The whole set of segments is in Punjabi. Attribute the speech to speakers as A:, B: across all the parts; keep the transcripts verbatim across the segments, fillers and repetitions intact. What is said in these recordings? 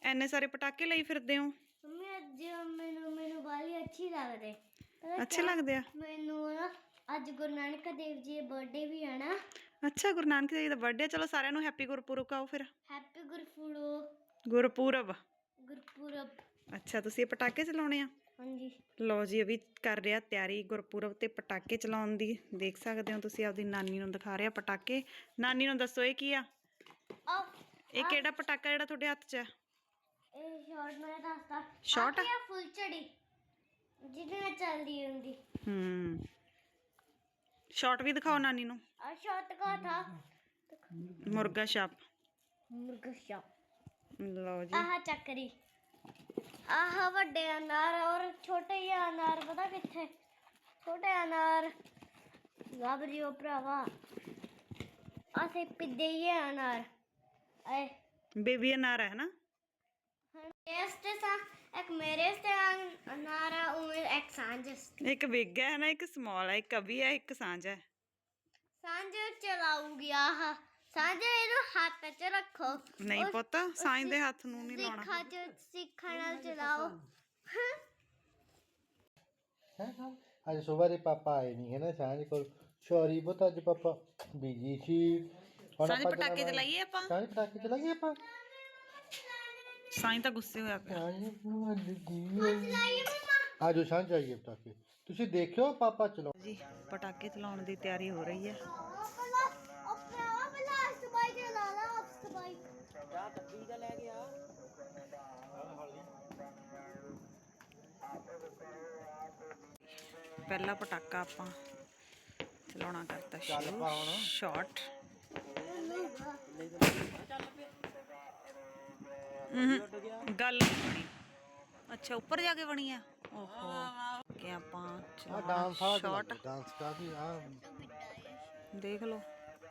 A: ਇੰਨੇ ਸਾਰੇ ਪਟਾਕੇ ਲਈ ਫਿਰਦੇ ਹੋ?
B: ਮੰਮੀ ਅੱਜ ਮੈਨੂੰ ਮੈਨੂੰ ਵਾਲੀ ਅੱਛੀ ਲੱਗਦੇ।
A: ਅੱਛੇ ਲੱਗਦੇ ਆ
B: ਮੈਨੂੰ ਨਾ। ਅੱਜ ਗੁਰੂ ਨਾਨਕ ਦੇਵ ਜੀ ਦਾ ਬਰਥਡੇ ਵੀ ਹੈ ਨਾ।
A: ਅੱਛਾ, ਗੁਰੂ ਨਾਨਕ ਦੇਵ ਜੀ ਦਾ ਬਰਥਡੇ। ਚਲੋ ਸਾਰਿਆਂ ਨੂੰ ਹੈਪੀ ਗੁਰਪੁਰਬ ਕਹੋ ਫਿਰ।
B: ਹੈਪੀ ਗੁਰਪੁਰਬ।
A: ਗੁਰਪੁਰਬ
B: ਗੁਰਪੁਰਬ।
A: ਅੱਛਾ, ਤੁਸੀਂ ਇਹ ਪਟਾਕੇ ਚਲਾਉਣੇ ਆ? ਹਾਂਜੀ। ਲਓ ਜੀ, ਇਹ ਵੀ ਕਰ ਰਿਹਾ ਤਿਆਰੀ ਗੁਰਪੁਰਬ ਤੇ ਪਟਾਕੇ ਚਲਾਉਣ ਦੀ। ਦੇਖ ਸਕਦੇ ਹੋ ਤੁਸੀਂ, ਆਪਦੀ ਨਾਨੀ ਨੂੰ ਦਿਖਾ ਰਿਹਾ ਪਟਾਕੇ। ਨਾਨੀ ਨੂੰ ਦੱਸੋ ਇਹ ਕੀ ਆ? ਇਹ ਕਿਹੜਾ ਪਟਾਕਾ ਜਿਹੜਾ ਤੁਹਾਡੇ ਹੱਥ 'ਚ ਹੈ?
B: ਇਹ ਸ਼ਾਟ ਮੈਂ ਦੱਸਦਾ।
A: ਸ਼ਾਟ ਆ?
B: ਫੁੱਲਝੜੀ ਜਿਹਦੇ ਨਾਲ ਚੱਲਦੀ ਹੁੰਦੀ।
A: ਹੂੰ, ਸ਼ਾਟ ਵੀ ਦਿਖਾਓ ਨਾਨੀ ਨੂੰ।
B: ਆ ਸ਼ਾਟ ਕਾ ਥਾ
A: ਮੁਰਗਾ ਛਾਪ।
B: ਮੁਰਗਾ ਛਾਪ।
A: ਲਓ ਜੀ,
B: ਆਹ ਚੱਕਰੀ। ਆਹ ਵੱਡੇ ਅਨਾਰ ਔਰ ਛੋਟੇ ਜਿਹੇ ਅਨਾਰ ਪਤਾ ਕਿੱਥੇ? ਛੋਟੇ ਅਨਾਰ ਲੱਭ ਜਿਓ ਭਰਾਵਾ। ਅਸੀਂ ਪਿੱਦੇ ਜਿਹੇ ਅਨਾਰ। ਆਏ
A: ਬੇਬੀ ਅਨਾਰ ਹੈ ਨਾ?
B: ਇਸ ਤੇ ਸਾ ਇੱਕ ਮੇਰੇ ਤੇ ਅਨਾਰ ਆ, ਉਵੇਂ ਇੱਕ ਸਾਂਝ।
A: ਇੱਕ ਬਿਗ ਹੈ ਨਾ, ਇੱਕ ਸਮਾਲ ਹੈ, ਇੱਕ ਅਭੀ ਹੈ, ਇੱਕ ਸਾਂਝ ਹੈ।
B: ਸਾਂਝ ਚਲਾਊਗੀ। ਆਹ ਸਾਂਝ ਇਹਨੂੰ ਹੱਥ 'ਚ ਰੱਖੋ।
A: ਨਹੀਂ ਪੁੱਤ, ਸਾਂਝ ਦੇ ਹੱਥ ਨੂੰ ਨਹੀਂ ਲਾਉਣਾ।
B: ਸਿੱਖਾਂ 'ਚ ਸਿੱਖਾਂ ਨਾਲ ਚਲਾਓ।
C: ਅੱਜ ਸੁਬਾਹ ਦੇ ਪਾਪਾ ਆਏ ਨਹੀਂ ਹੈ ਨਾ ਸਾਂਝ ਕੋਲ। ਸੌਰੀ ਪੁੱਤ, ਅੱਜ ਪਾਪਾ ਬਿਜੀ ਸੀ।
A: ਸਾਂਝ ਪਟਾਕੇ ਚਲਾਈਏ ਆਪਾਂ?
C: ਸਾਂਝ ਪਟਾਕੇ ਚਲਾਈਏ ਆਪਾਂ?
A: ਸਾਂਝ ਤਾਂ ਗੁੱਸੇ ਹੋਇਆ ਪਿਆ।
C: ਆਜੋ ਸਾਂਝ ਜਾਈਏ ਪਟਾਕੇ। ਤੁਸੀਂ ਦੇਖਿਓ ਪਾਪਾ ਚਲਾਓ
A: ਜੀ। ਪਟਾਕੇ ਚਲਾਉਣ ਦੀ ਤਿਆਰੀ ਹੋ ਰਹੀ ਹੈ। ਪਹਿਲਾ ਪਟਾਕਾ ਆਪਾਂ ਚਲਾਉਣਾ ਕਰਤਾ ਸ਼ੁਰੂ। ਸ਼ਾਟ। ਗੱਲ ਨਹੀਂ ਬਣੀ। ਅੱਛਾ, ਉੱਪਰ ਜਾ ਕੇ ਬਣੀ ਆ। ਓਹੋ, ਕਿ ਆਪਾਂ ਚਲਾਉਣਾ ਸ਼ਾਟ।
C: ਡਾਂਸ ਕਾਫੀ ਆ
A: ਦੇਖ ਲਓ।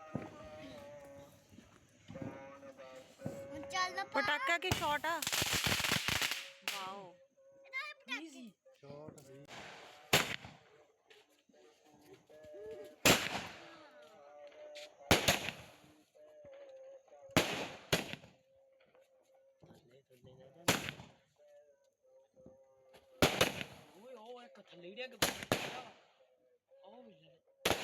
B: ਚੱਲ
A: ਪਟਾਕਾ ਕੀ ਸ਼ਾਟ ਆ? ਵਾਓ,
C: ਸ਼ਾਟ ਵੀ।
D: ਓਏ ਉਹ ਇੱਕ ਥੱਲੇ ਡਿੱਗ ਪਿਆ। ਉਹ ਵੀ ਲੈ।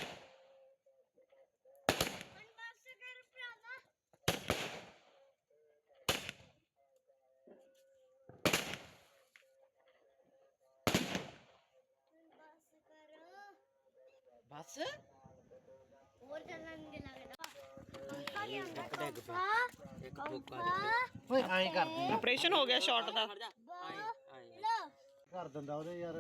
B: ਬਸ ਕਰ ਭਰਾਵਾ। ਬਸ ਕਰ।
D: ਬਸ
B: ਹੋਰ ਚੱਲਣਗੇ ਲੱਗਦਾ।
D: ਇੱਕ ਡਿੱਗ ਪਿਆ। ਇੱਕ ਠੋਕਾ
C: ਓਏ ਐਂ ਕਰਦੀ
A: ਆਪਰੇਸ਼ਨ ਹੋ ਗਿਆ ਸ਼ਾਟ ਦਾ।
C: ਕਰ ਦਿੰਦਾ ਉਹਦੇ ਯਾਰ।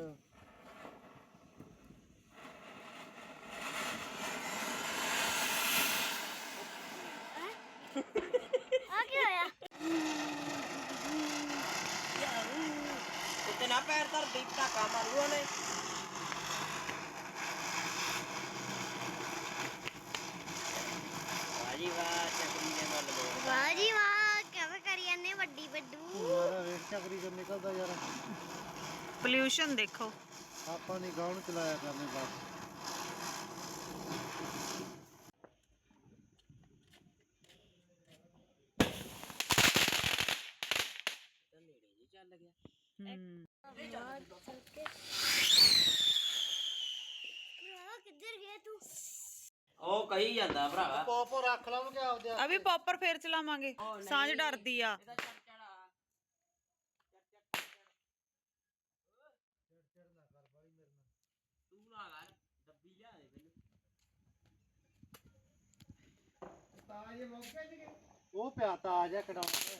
B: ਆ ਕੀ ਹੋਇਆ?
D: ਉੱਤੇ ਨਾ ਪੈਰ ਧਰ ਦੀ, ਧਾਕਾ ਮਾਰੂ ਉਹਨੇ। ਵਾਜੀ ਵਾਹ, ਚੱਕਰੀ ਨੇ ਮੱਲ ਦੋ।
B: ਵਾਹ ਜੀ ਵਾਹ, ਕਿਵੇਂ ਕਰੀ ਜਾਂਦੇ ਵੱਡੀ ਵੱਡੂ।
C: ਯਾਰ ਰੇਟ ਚੱਕਰੀ ਤੋਂ ਨਿਕਲਦਾ ਯਾਰ।
A: ਪੋਲਿਊਸ਼ਨ ਦੇਖੋ।
C: ਆਪਾਂ ਨਹੀਂ ਗਾਉਣ ਚਲਾਇਆ ਕਰਨੇ ਬਸ।
D: ਨੇੜੇ ਜੀ ਚੱਲ ਗਿਆ।
A: ਹੂੰ,
B: ਕਿੱਧਰ ਗਿਆ ਤੂੰ?
D: ਉਹ ਕਹੀ ਜਾਂਦਾ ਭਰਾਵਾ।
C: ਪੋਪੋ ਰੱਖ ਲਾਂਗੇ ਆਪਦੇ।
A: ਅਭੀ ਪੌਪਰ ਫੇਰ ਚਲਾਵਾਂਗੇ। ਸਾਂਝ ਡਰਦੀ ਆ।
D: ਤੂੰ ਨਾ ਕਰ, ਡੱਬੀ ਲਿਆ ਦੇ ਮੈਨੂੰ।
C: ਤਾਜ ਮੌਕੇ ਜੀ ਉਹ ਪਿਆ ਤਾਜ ਆ ਕਢਾਉਣਾ।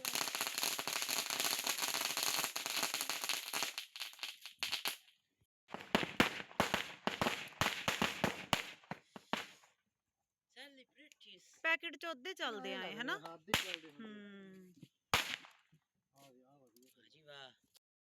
A: ਪੈਕੇਟ ਚ ਉਹਦੇ ਚੱਲਦੇ ਆਏ ਹਨਾ।
C: ਹੱਦ ਹੀ ਚੱਲਦੇ ਹੁੰਦੇ।
A: ਹੂੰ,